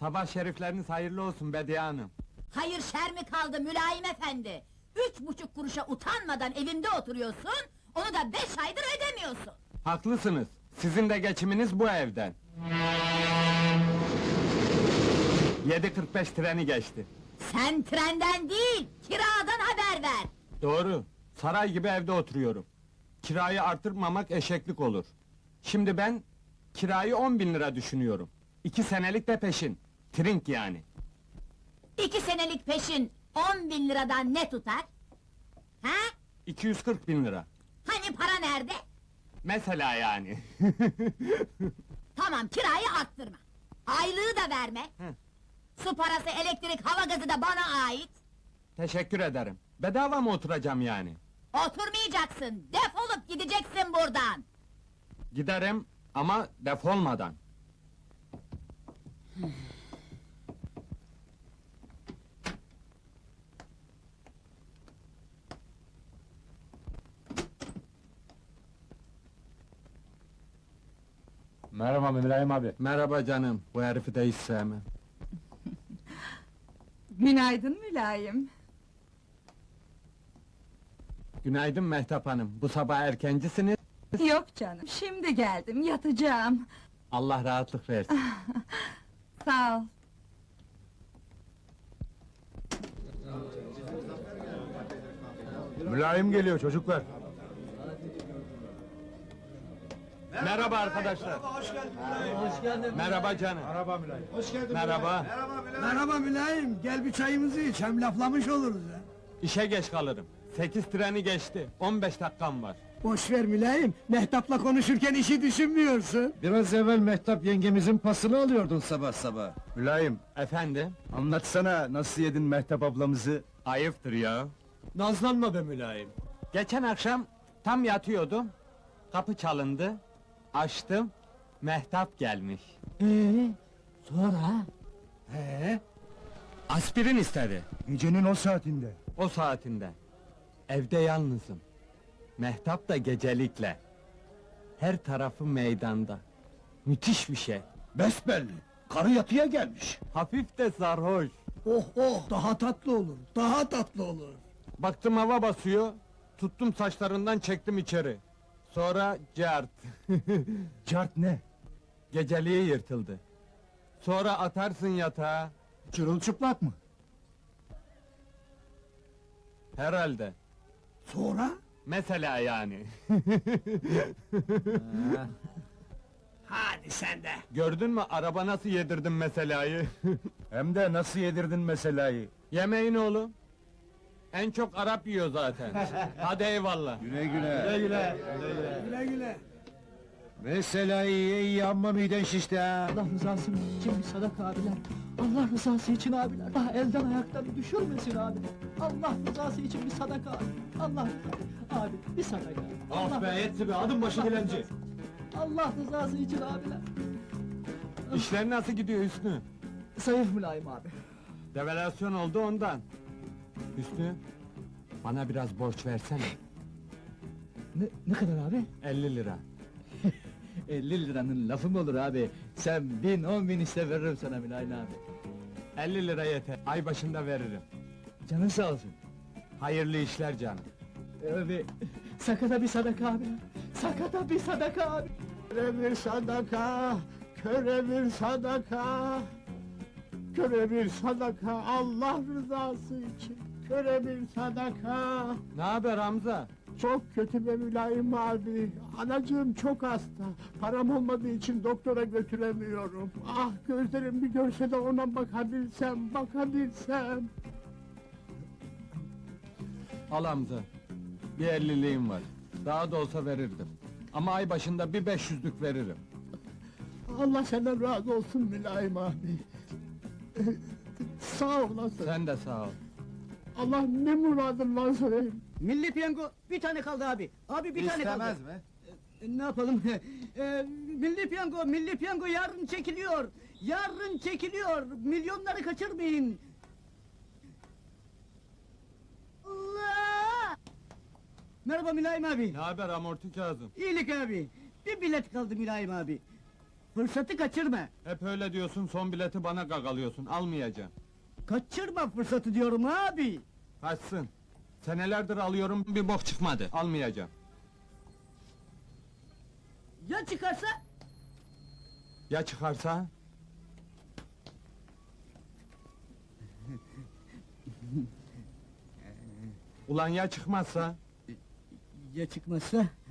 Sabah şerifleriniz hayırlı olsun Bediye Hanım. Hayır şer mi kaldı mülayim efendi? 3,5 kuruşa utanmadan evimde oturuyorsun, onu da 5 aydır ödemiyorsun. Haklısınız. Sizin de geçiminiz bu evden. 7:45 treni geçti. Sen trenden değil, kiradan haber ver! Doğru. Saray gibi evde oturuyorum. Kirayı artırmamak eşeklik olur. Şimdi ben kirayı 10.000 lira düşünüyorum. 2 senelik de peşin. Trink yani. 2 senelik peşin 10.000 liradan ne tutar? Ha? 240.000 lira. Hani para nerede? Mesela yani. Tamam, kirayı arttırma. Aylığı da verme. Hı. Su parası, elektrik, hava gazı da bana ait. Teşekkür ederim. Bedava mı oturacağım yani? Oturmayacaksın, defolup gideceksin buradan! Giderim ama defolmadan. Merhaba Mülayim abi. Merhaba canım, bu herifi de hiç sevmem. Günaydın mülayim. Günaydın Mehtap Hanım, bu sabah erkencisiniz. Yok canım, şimdi geldim, yatacağım. Allah rahatlık versin. Sağ ol. Mülayim geliyor çocuklar. Merhaba arkadaşlar. Hoş geldin. Merhaba canım. Merhaba Mülayim. Hoş geldin. Merhaba. Merhaba Mülayim. Gel bir çayımızı iç. Hem laflamış oluruz ha. İşe geç kalırım. 8 treni geçti, 15 dakikam var. Boş ver Mülayim. Mehtap'la konuşurken işi düşünmüyorsun. Biraz evvel Mehtap yengemizin pasını alıyordun sabah sabah. Mülayim, Efendim? anlatsana nasıl yedin Mehtap ablamızı? Ayıptır ya. Nazlanma be Mülayim. Geçen akşam tam yatıyordum. Kapı çalındı. Açtım. Mehtap gelmiş. Sonra? Aspirin istedi. Gecenin o saatinde. O saatinde. Evde yalnızım. Mehtap da gecelikle. Her tarafı meydanda. Müthiş bir şey. Besbelli. Karı yatıya gelmiş. Hafif de sarhoş. Oh oh, daha tatlı olur. Daha tatlı olur. Baktım hava basıyor. Tuttum saçlarından çektim içeri. Sonra cart. Cart ne? Geceliği yırtıldı. Sonra atarsın yatağa. Çırılçıplak mı? Herhalde. Sonra? Mesela yani. Hadi sen de. Gördün mü araba nasıl yedirdim meselayı? Hem de nasıl yedirdin meselayı? Yemeğin oğlum. En çok Arap yiyor zaten. Hadi eyvallah. Güle güle. Güle güle. Meselayı iyi amma miden şişti ha. Allah rızası için bir sadaka abiler. Allah rızası için abiler. Daha elden ayaktan düşürmesin abiler. Allah rızası için bir sadaka abi. Allah abi bir sadaka. Allah, yetti be, adım başı dilenci. Allah rızası için abiler. İşler nasıl gidiyor Hüsnü? Zayıf mülayim abi. Devalüasyon oldu ondan. Hüsnü, bana biraz borç versene. Ne kadar abi? 50 lira. 50 liranın lafı mı olur abi? Sen 1000 10.000 iste veririm sana mülayim abi. 50 lira yeter. Ay başında veririm. Canın sağ olsun. Hayırlı işler canım. Abi sakata bir sadaka abi. Sakata bir sadaka abi. Köre bir sadaka. Köre bir sadaka. Köre bir sadaka. Allah rızası için. Köre bir sadaka. Ne haber Hamza? Çok kötü be Mülayim abi. Anacığım çok hasta. Param olmadığı için doktora götüremiyorum. Ah gözlerim bir görse de ona bakabilsem, bakabilsem. Al Hamza. Bir 50'liğim var. Daha da olsa verirdim. Ama ay başında bir 500'lük veririm. Allah senden razı olsun Mülayim abi. Sağ olasın. Sen de sağ ol. Allah ne muradın varsa vereyim. Milli piyango bir tane kaldı abi. Abi bir tane kaldı. mi? Ne yapalım? Milli piyango yarın çekiliyor. Yarın çekiliyor. Milyonları kaçırmayın. Allah! Merhaba Mülayim abi. Ne haber amorti Kazım? İyilik abi. Bir bilet kaldı Mülayim abi. Fırsatı kaçırma. Hep öyle diyorsun, son bileti bana gagalıyorsun, almayacağım. Kaçırma fırsatı diyorum abi. Kaçsın. Senelerdir alıyorum, bir bok çıkmadı, almayacağım. Ya çıkarsa? Ya çıkarsa? Ulan ya çıkmazsa? Ya çıkmazsa?